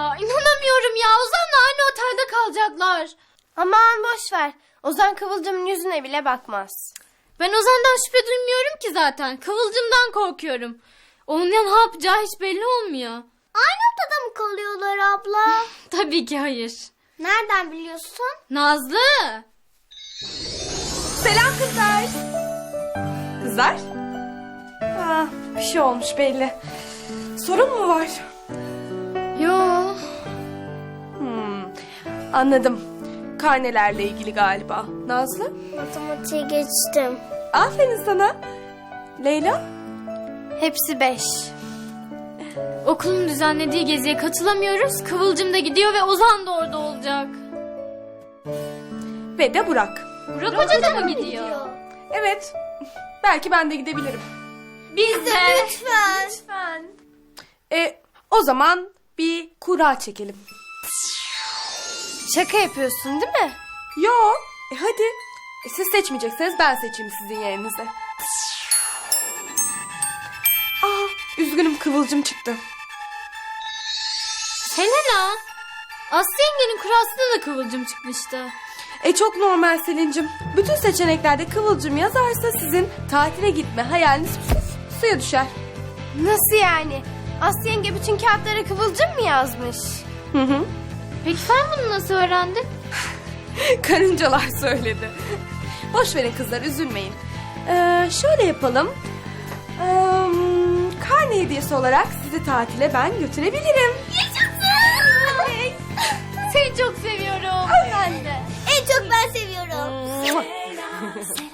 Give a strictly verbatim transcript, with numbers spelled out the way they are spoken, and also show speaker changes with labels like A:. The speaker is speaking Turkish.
A: ya. İnanamıyorum ya. Ozan'la aynı otelde kalacaklar.
B: Aman boş ver. Ozan Kıvılcım'ın yüzüne bile bakmaz.
A: Ben Ozan'dan şüphe duymuyorum ki zaten. Kıvılcımdan korkuyorum. Onun ya ne yapacağı hiç belli olmuyor.
B: Aynı odada mı kalıyorlar abla?
A: Tabii ki hayır.
B: Nereden biliyorsun?
A: Nazlı.
C: Selam kızlar. Kızlar? Ah, bir şey olmuş belli. Sorun mu var?
A: Yo.
C: Hmm, anladım. Karnelerle ilgili galiba. Nazlı?
B: Matematiğe geçtim.
C: Aferin sana. Leyla?
B: Hepsi beş.
A: Okulun düzenlediği geziye katılamıyoruz. Kıvılcım da gidiyor ve Ozan da orada olacak.
C: Ve de Burak.
A: Burak Hoca da mı gidiyor?
C: Evet. Belki ben de gidebilirim.
A: Biz de.
B: Lütfen.
C: Lütfen. E, o zaman bir kura çekelim.
B: Şaka yapıyorsun değil mi?
C: Yo. E hadi. E, siz seçmeyecekseniz ben seçeyim sizin yerinize. Aa, üzgünüm Kıvılcım çıktı.
A: Selena. Aslı yengenin kurasında da Kıvılcım çıkmıştı.
C: E çok normal Selin'cim. Bütün seçeneklerde Kıvılcım yazarsa sizin tatile gitme hayaliniz su- suya düşer.
B: Nasıl yani? Aslı yenge bütün kağıtlara Kıvılcım mı yazmış?
C: Hı hı.
A: Peki sen bunu nasıl öğrendin?
C: Karıncalar söyledi. Boş verin kızlar, üzülmeyin. Ee, şöyle yapalım. Ee, karne hediyesi olarak sizi tatile ben götürebilirim.
A: Seni çok seviyorum.
C: Ben de.
B: En çok ben seviyorum.